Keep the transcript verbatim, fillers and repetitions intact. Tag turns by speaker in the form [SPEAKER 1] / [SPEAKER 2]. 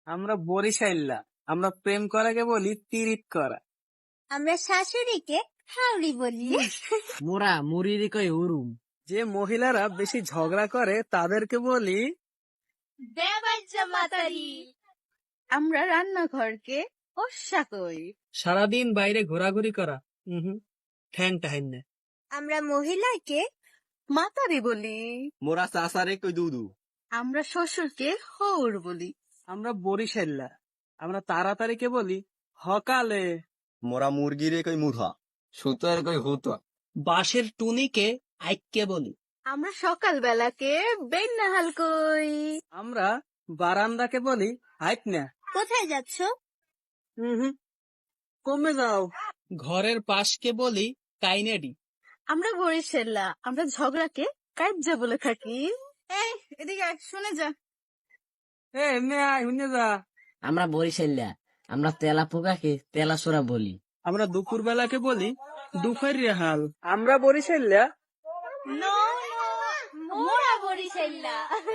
[SPEAKER 1] আমরা বরিশাইল্লা, আমরা প্রেম করাকে বলি তিরিত করা।
[SPEAKER 2] আমরা শাশুড়িকে হাউড়ি বলি।
[SPEAKER 3] মোরা মুরিরি কই হুরুম।
[SPEAKER 1] যে মহিলারা বেশি ঝগড়া করে তাদেরকে বলি
[SPEAKER 2] দেবাজ্জা মাতারি। আমরা রান্নাঘরকে ওস্যা কই।
[SPEAKER 1] সারাদিন বাইরে ঘোরাঘুরি করা। হুম ঠ্যাং টাহাইন না।
[SPEAKER 2] আমরা মহিলাকে মাতারি বলি।
[SPEAKER 4] মোরা চাচারে কই দুদু।
[SPEAKER 2] আমরা শ্বশুরকে হৌর বলি।
[SPEAKER 1] আমরা বরিশাইল্লা, আমরা তাড়াতাড়িকে বলি হকালে।
[SPEAKER 4] মোরা মুরগিরে কই মুরহা।
[SPEAKER 3] সুতোর কই হুতো।
[SPEAKER 1] বাঁশের টুনিকে আইক্যে বলি।
[SPEAKER 2] আমরা সকাল বেলাকে বেন্নাহাল কই।
[SPEAKER 1] আমরা বারান্দাকে বলি হাইট না।
[SPEAKER 2] কোথায় যাচ্ছ?
[SPEAKER 1] হুম কমে যাও। ঘরের পাশকে বলি কাইনেডি।
[SPEAKER 2] আমরা বরিশাল্লা, আমরা ঝগড়াকে কাইজ্জা বলে থাকি। এই এদিকে আয়, শুনে যা।
[SPEAKER 1] এ এমনি আয় শুনে যা।
[SPEAKER 3] আমরা বরিশাইল্লা, আমরা তেলা পোকাকে তেলা সোরা বলি।
[SPEAKER 1] আমরা দুপুর বেলাকে বলি দুপুর রেহাল। আমরা বরিশাইল্লা
[SPEAKER 2] নো নো মোরা বরিশাল্লা।